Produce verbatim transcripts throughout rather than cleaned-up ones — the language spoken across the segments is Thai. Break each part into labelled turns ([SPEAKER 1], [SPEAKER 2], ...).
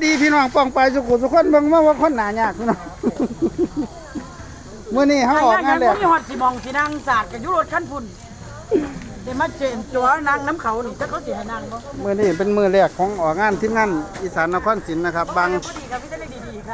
[SPEAKER 1] ดีพี่น้องป้องไปสุขุสุขคนเบิ่งว่าว่าคนหนายากพี่น้องเมื่อนี้เขาออกงานแล้ว
[SPEAKER 2] มีฮอดสิมองสินั่งสาดกับยุโรปขั้นพุ่นเดี๋ยวมาเจนจัวนางน้ำเขานี่จะเขาสิให้นางบ่
[SPEAKER 1] เมื่อนี้เป็นมือแรกของออกงานทีมงานอีสานนครศรีนะครับบาง
[SPEAKER 2] พอดีครับพี่จะได้ดีๆค่ะ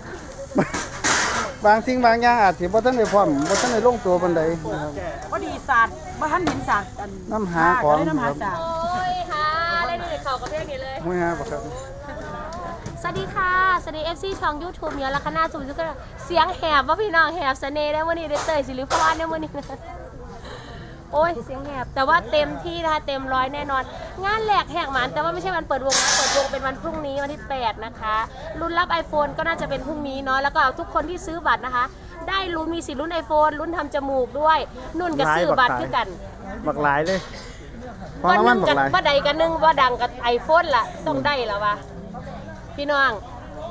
[SPEAKER 1] บางสิ่งบางอย่างอาจสิบ่ทันได้พร้อมบ่ทันได้ลงตัวปานใดนะครับ
[SPEAKER 2] พอดีสาดบ่ทันเห็นสาดอัน
[SPEAKER 1] น้ำหาของ
[SPEAKER 2] น้ำหาสาด
[SPEAKER 3] โอ้ยค่ะได้ดีเขากับเพลงนี้เลย
[SPEAKER 1] ไม่ฮะบ่ครับ
[SPEAKER 3] สวัสดีค่ะสวัสดี เอฟ ซี ช่อง YouTube เนี่ยลักษณะสุดก็เสียงแหบว่าพี่น้องแหบเสน่ห์ได้วันนี้ได้เตยสิริพรได้วันนี้โอ้ยเสียงแหบแต่ว่าเต็มที่นะคะเต็มร้อยแน่นอนงานแหลกแหกหมันแต่ว่าไม่ใช่วันเปิดวงเปิดวงเป็นวันพรุ่งนี้วันที่แปดนะคะลุ้นรับ iPhone ก็น่าจะเป็นพรุ่งนี้เนาะแล้วก็ทุกคนที่ซื้อบัตรนะคะได้ลุ้นมีสิทธิ์ลุ้น iPhone ลุ้นทำจมูกด้วยนุ่นกับซื้อบัตรคือกัน
[SPEAKER 1] บักหลายเลย
[SPEAKER 3] วันนึงกับว่าใดกันนึงว่าดังกับ iPhone ล่ะต้องได้แล้ววะพี่น้อง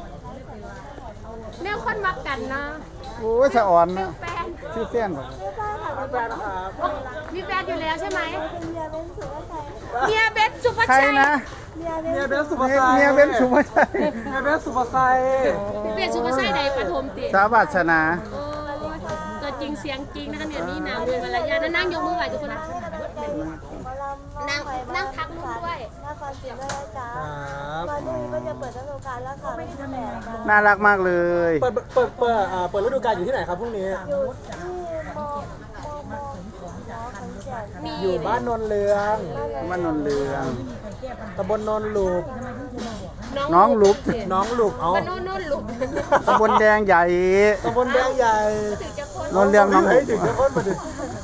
[SPEAKER 3] แนวคนมักกันนะ
[SPEAKER 1] โอ้ยสะอ่อนนะชื่อแฟนบ่
[SPEAKER 3] มีแฟนอยู่แล้วใช่ไหมเมียเบนสุภาชัย
[SPEAKER 1] ใครนะ
[SPEAKER 2] เมียเบนสุภาชัย
[SPEAKER 1] เมียเบนสุภาชัย
[SPEAKER 2] เมียเบนสุภาชัย
[SPEAKER 3] เบนสุภาชัยใดปฐมติ
[SPEAKER 1] สาวัชนา
[SPEAKER 3] ตัวจริงเสียงจริงนะคะเนี่ยนี่นางเดินมาระยะนั่งยกมือไหวทุกคนนะนั่งนั่งทักลูกด้วย
[SPEAKER 4] น่าฟังเสียงด้วยจ้าตอนนี้ก็จะเปิดฤดูกาลแล้วค่ะไม่ได้แถลง
[SPEAKER 1] น่ารักมากเลย
[SPEAKER 2] เปิดเปิดเปิดเปิดฤดูกาลอยู่ที่ไหนครับพรุ่งนี้
[SPEAKER 4] อยู่ที่มอมอมอ
[SPEAKER 2] อยู่บ้านนนเรือง
[SPEAKER 1] บ้านนนเรือง
[SPEAKER 2] ตำบลนนหลุบ
[SPEAKER 1] น้องหลุบ
[SPEAKER 2] น้องหลุบเอา
[SPEAKER 3] บ้านนนหลุบ
[SPEAKER 1] ตำบลแดงใหญ่
[SPEAKER 2] ตำบลแดงใหญ่
[SPEAKER 1] นนเรืองน้องหลุบ
[SPEAKER 2] ถึงจะพ้นมาดิ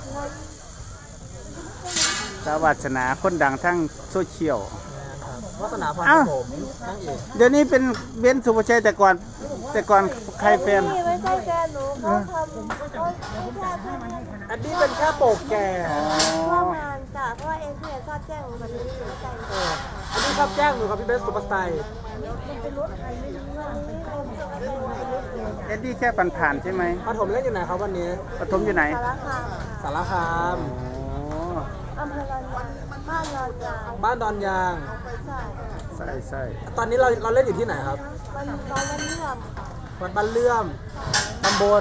[SPEAKER 1] สวัสนาคนดังทั้งโซเชียล
[SPEAKER 2] วาสนาพรผมนั่งเอก
[SPEAKER 1] เดี๋ยวนี้เป็นเบนสุภาชัยแต่ก่อนแต่ก่อนใครแฟน
[SPEAKER 4] ไม่ใช่แฟนหนูเขาทำเขาไม่ใช่เพื่อน
[SPEAKER 2] อันนี้เป็นแค่โปกแก่
[SPEAKER 4] ร่วมงานจ้ะเพราะว่าเอ็นพีชอบแจ้งวันนี้หนูใจ
[SPEAKER 2] อันนี้ชอบแจ้งหนูครับพี่เบสสุภาชัย
[SPEAKER 1] เอ็ดดี้แค่ผ่านๆใช่ไหม
[SPEAKER 2] ปฐมเล่นอยู่ไหนครับวันนี้
[SPEAKER 1] ปฐมอยู่ไหน
[SPEAKER 4] สารคาม
[SPEAKER 2] สารคาม
[SPEAKER 4] อำเภอบ้านดอนยาง
[SPEAKER 2] บ้านดอนยาง
[SPEAKER 1] ใช่ใช่
[SPEAKER 2] ตอนนี้เราเราเล่นอยู่ที่ไหนครับ
[SPEAKER 4] บ้านบ้านเลื่อม
[SPEAKER 2] วัดบ้านเลื่อมตำบล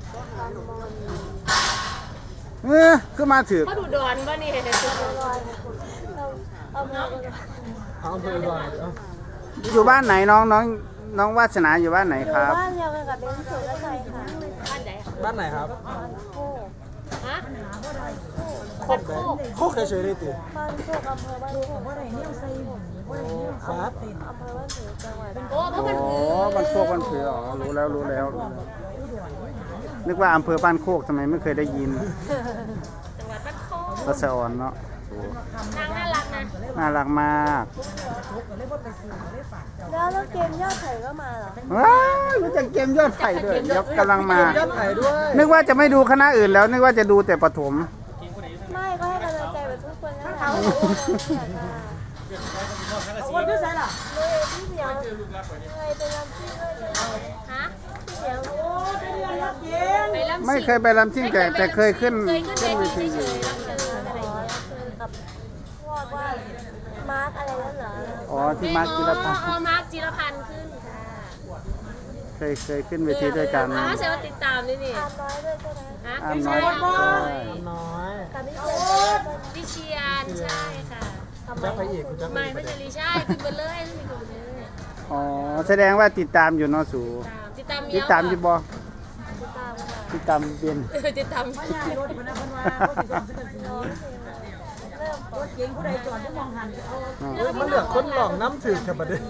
[SPEAKER 1] เออคือมาถือ
[SPEAKER 3] เขาดูดอนป่ะนี่เห็นไหม
[SPEAKER 4] เอาเมือง
[SPEAKER 2] เอาอำเภอก่อน
[SPEAKER 1] อยู่บ้านไหนน้องน้องน้องวาสนาอยู่บ้านไหนครับ
[SPEAKER 4] บ้านเดียวกันกับเบนสุภาชัยค่ะ
[SPEAKER 3] บ้านไหน
[SPEAKER 2] บ้านไหนครับ
[SPEAKER 3] ฮะ
[SPEAKER 2] โคกโคกเฉยๆเลยติ
[SPEAKER 4] บ้านโคกอำเภอบ้านโคก
[SPEAKER 2] ครับ
[SPEAKER 4] อำเภอบ้านผือจังหวัด
[SPEAKER 3] โอ้เพราะมัน
[SPEAKER 1] อ๋อบ้านโคกบ้านผืออ๋อรู้แล้วรู้แล้วนึกว่าอำเภอบ้านโคกทำไมไม่เคยได้ยิน
[SPEAKER 3] จังหวัดบ้านโคก
[SPEAKER 1] ก็สะอ่อนเนาะ
[SPEAKER 3] นางน่ารักนะ
[SPEAKER 1] น่ารักมาก
[SPEAKER 4] แล้วแล้วเกมยอดไถ่ก็มาเหรอ
[SPEAKER 1] ว้าวรู้จักเกมยอดไถ่ด้วยยกกำลังมาย
[SPEAKER 2] อดไถ่ด้วย
[SPEAKER 1] นึกว่าจะไม่ดูคณะอื่นแล้วนึกว่าจะดูแต่ปฐม
[SPEAKER 4] ไม่ก็ให้กำลังใจแบบทุกคนนะคะ
[SPEAKER 2] คนที่ไหนล่ะ
[SPEAKER 4] เลยพี่เหมียวเคยไปรำซิ่งด้วย
[SPEAKER 3] ฮะ
[SPEAKER 4] พี่เหมียวโอ้ไปเรียนรำซิ่ง
[SPEAKER 1] ไม่เคยไปรำซิ่งแต่แต่เคยขึ้นขึ้นเวที
[SPEAKER 4] อยู่กับพวกว่ามาร์กอะไรนั่นเหรอ
[SPEAKER 1] อ๋อที่มาร์กจิรพันธ์
[SPEAKER 3] อ๋อมาร์กจิรพันธ์ขึ้น
[SPEAKER 1] เคยเคยขึ้นเวทีด้วยกัน
[SPEAKER 3] อ๋อใช่ว่าติดตามนี่นี่
[SPEAKER 4] อามน้อยด้วยใช่ไหม
[SPEAKER 3] ฮะ
[SPEAKER 1] อามน้อย
[SPEAKER 2] น้อย
[SPEAKER 4] กับพี่เชน
[SPEAKER 3] ดิเชียนใช่ค่ะ
[SPEAKER 2] จะไปอีกจะ
[SPEAKER 3] ไม่ไม่ใช่ลีใช่ขึ้นไปเลยขึ้นไปเลย
[SPEAKER 1] อ๋อแสดงว่าติดตามอยู่เนาะสู
[SPEAKER 3] ติดตาม
[SPEAKER 1] ติดตามอยู่บ่
[SPEAKER 4] ติดตามค่ะ
[SPEAKER 1] ติดตามเบียน
[SPEAKER 3] ติดตาม
[SPEAKER 2] ไม่ใช่รถคนนั้นคนว่าเขาติดตามกันอยู่เริ่มรถเก๋งผู้ใดจอดที่มองหันเอามันเหลือคนหลอกน้ำถึงกับประเด็น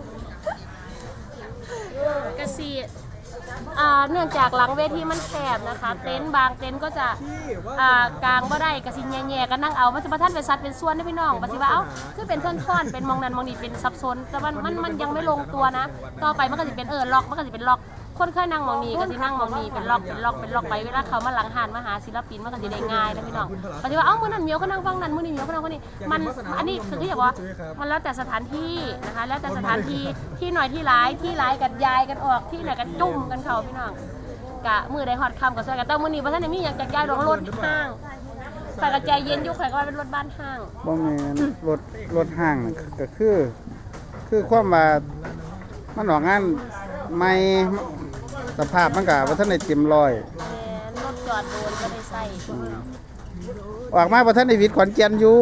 [SPEAKER 3] กระสีเนื่องจากหลังเวทีมันแคบนะคะเต็นท์บางเต็นท์ก็จะกลางบ่ได้กระสิแย่ๆก็นั่งเอามันจะมาท่านเป็นซัดเป็นส่วนได้พี่น้องปฏิบัติเอาคือเป็นท่อนๆเป็นมองนั้นมองนี้เป็นซับซ้อนแต่มันมันมันยังไม่ลงตัวนะต่อไปมันก็จะเป็นเออล็อกมันก็จะเป็นล็อกคนเคยนั่งมองนี้ก็จะนั่งมองนี้เป็นล็อกเป็นล็อกเป็นล็อกไปเวลาเขามาหลังหานมาหาศิลปินมันก็จะได้ง่ายนะพี่น้องปฏิบัติเอาเมื่อนั้นเมียวก็นั่งฟังนั้นเมื่อนี้เมียวก็นั่งคนนี้มันอันนี้คือที่อย่างว่ามันแล้วแต่สถานที่นะคะแล้วแต่สถานที่ที่หน่อยที่ร้ายที่ร้ายกันยายกันออกที่ไหนกันจุ่มกันเขาพี่น้องกะมือได้ฮอดคำกับซอยกันแต่มือนี้พระท่านมีอยากจะย้ายรถรถห้างใส่กระจายเย็นยุคใครก็ว่าเป็นรถบ้านห้าง
[SPEAKER 1] บ่แม่นรถรถห้างก็คือคือความว่ามันออกงานใหม่สภาพมันก็บ่ทันได้เต็มร้อย
[SPEAKER 3] แม่รถจอดโดนก็ได้ใส่
[SPEAKER 1] อืมออกมาบ่ทันได้วิทย์ขอนแก่นอยู่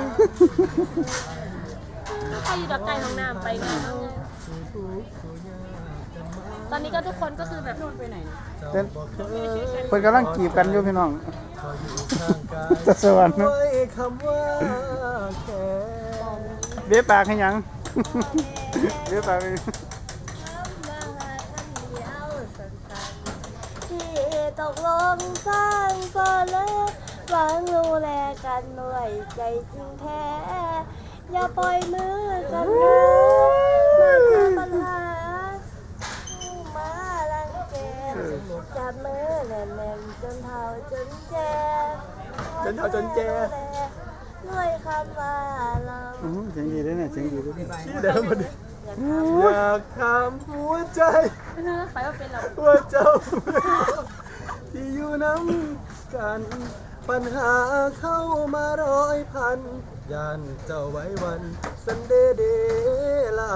[SPEAKER 3] ใครอยู่ดอกไก่ห้องน้ำไปงานเอาตอนนี้ก็ทุกคนก็คือแบบนู่นไปไหน
[SPEAKER 1] เพิ่นเพิ่นกำลังจีบกันอยู่พี่น้องตะสวรรค์
[SPEAKER 2] ไว้คำว่าแค่
[SPEAKER 1] เบี้ยปากให้หยัง เบี้ยปากให้
[SPEAKER 4] ที่ตกลงสร้างก็เลยหวังดูแลกันด้วยใจจริงแท้ อย่าปล่อยมือกันเลยมาเจอปัญหามาลังแกจับมือแน่นๆจนเท่าจนแก่
[SPEAKER 2] จนเท่าจนแก่
[SPEAKER 4] ด้วยคำว่าเรา
[SPEAKER 1] อื้อเสียงดีด้วยเนี่ยเสียงดีด้วย
[SPEAKER 2] ที่เดิมมันอยากถามหัวใจ
[SPEAKER 3] ไปว่าเป็นเรา
[SPEAKER 2] ว่าเจ้าที่อยู่น้ำกัน ปัญหาเข้ามาร้อยพันยานเจ้าไว้วันสันเดเดลา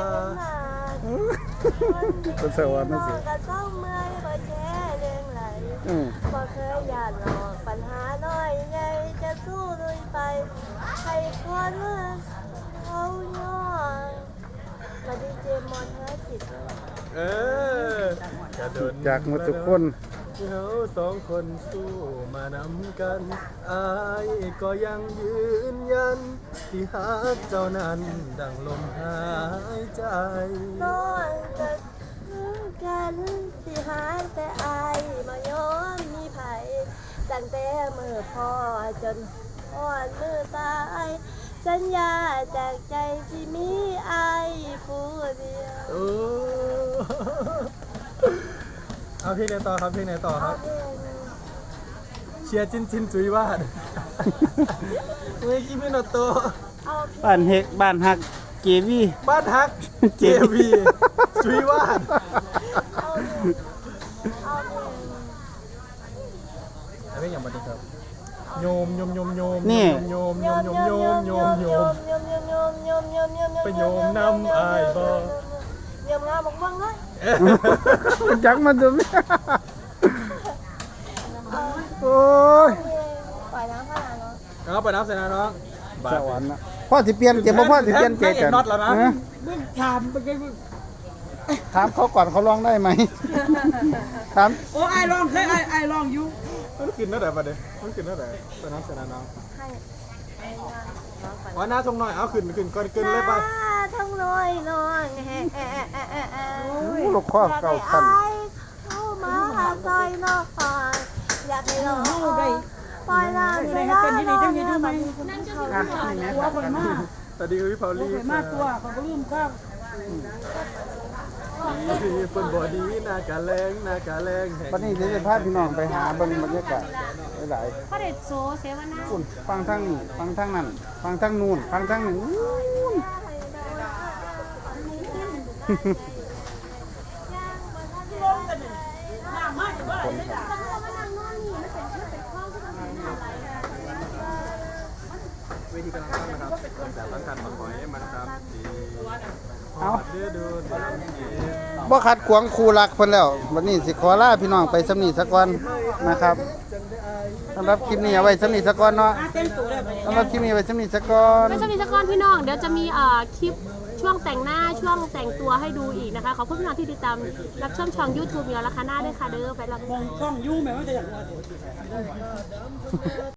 [SPEAKER 1] ตะสวรรค์นั่นสิ
[SPEAKER 4] ก็ต้องเมื่อยก็แค่เรื่องไหล
[SPEAKER 1] อืม
[SPEAKER 4] บ่เคยอยากหลอกปัญหาน้อยใหญ่จะสู้ลุยไปให้คนเขาย่อมาดีเจมอนเฮจิต
[SPEAKER 2] เออกระโดด
[SPEAKER 1] จากหมดทุกคน
[SPEAKER 2] เราสองคนสู้มานำกัน อายก็ยังยืนยัน ที่หักเจ้านั้นดังลมหายใจ
[SPEAKER 4] น้อยจะกันสิหายแต่อายมาย้อนมีไผตั้งแต่มือพ่อจนอ่อนมือตายสัญญาจากใจที่มีอายผู้เดียว
[SPEAKER 2] โอ้เอาเพลงไหนต่อครับเพลงไหนต่อครับ เชียร์จินจินจุยวาดเมื่อกี้ไม่นอโต
[SPEAKER 1] บ้านเฮกบ้านฮักเกวี
[SPEAKER 2] บ้านฮักเจวีจุยวาด
[SPEAKER 4] เอาเองเอาเอง
[SPEAKER 2] อะไรอย่างบันทึกครับโยมโยมโยมโยม
[SPEAKER 1] นี่
[SPEAKER 2] โยมโยมโยมโยมโยมโยม
[SPEAKER 4] โยมโยมโยมโยมโยมโยม
[SPEAKER 2] ไปโยมนำอายบ่
[SPEAKER 4] โยมงามบังเลย
[SPEAKER 1] จักมันดูไหมโอ้ย
[SPEAKER 4] ปล่อยน้ำขนาดเนาะ
[SPEAKER 2] เอาไปน้ำเสร็จแล้วน้อง
[SPEAKER 1] สวรรค์นะพ่อสิเปลี่ยนเจ็บบ่พ่อสิเปลี่ยนเจ็บกัน
[SPEAKER 2] น็อตแล้วนะ
[SPEAKER 1] ฮะ
[SPEAKER 2] มึงถามไปไงมึง
[SPEAKER 1] ถามเขาก่อนเขาร้องได้ไหมถาม
[SPEAKER 5] โอ้ไอลองเคยไอไอลองอยู่
[SPEAKER 2] มันกินนั่นแหละประเดี๋ยวมันกินนั่นแหละไปน้ำเสร็จแล้วน้อง
[SPEAKER 4] ให้ให้งานน้องไป
[SPEAKER 2] ว่าหน้าทรงหน่อยเอาขึ้นขึ้นก่อนขึ้นเลยไป
[SPEAKER 4] ทั้งน้อยน้อยแฮ่แฮ่แฮ่แฮ่แฮ่
[SPEAKER 1] โอ้ยลูกข้อเก่าคัน
[SPEAKER 4] เข้ามาซอยน้องอยากให้น้องปล่อยน้ำไปแล้วน้องเนี่ยบัดนี้คุณเขา
[SPEAKER 1] อ่ะนี่แม่ตัดกัน
[SPEAKER 2] สวัสดีครับพี่พอลลี่
[SPEAKER 5] เคยมาตัวเขาก็ลืมข้าว
[SPEAKER 2] ดีคนบอดีหน้ากาแรงหน้ากาแรงแห่ง
[SPEAKER 1] วันนี้เดี๋ยวจะพาพี่น้องไปหาเบิ่งบรรยากาศหลาย
[SPEAKER 3] พระเดชโซเสวนา
[SPEAKER 1] ๆคุณฟังทั้งนี้ฟังทั้งนั้นฟังทั้งนู่นฟังทั้งนี้คนครับ
[SPEAKER 2] เวทีกำลังตั้งนะครับแต่ตั้งการมาขอยมันครับดี
[SPEAKER 1] เอา
[SPEAKER 2] เดือดูดำดี
[SPEAKER 1] บ่ขัดขวางครูรักเพิ่นแล้ว วันนี้สิขอลาพี่น้องไปสำนีสักก่อนนะครับสำหรับคลิปนี้เอาไว้สำนีสักก่อนเนาะ
[SPEAKER 5] เต้นตัวได้ไหม
[SPEAKER 1] สำหรับคลิปนี้เอาไว้สำนีสักก่อน
[SPEAKER 3] ไม่ใช่มีสกอนพี่น้อง เดี๋ยวจะมีเอ่อคลิปช่วงแต่งหน้าช่วงแต่งตัวให้ดูอีกนะคะ ขอบคุณพี่น้องที่ติดตามรับชมช่อง YouTube มีราคาหน้าด้วยค่ะเด้อไปรับ
[SPEAKER 5] มองช่องยู่ไหมว่าจะอยากว่า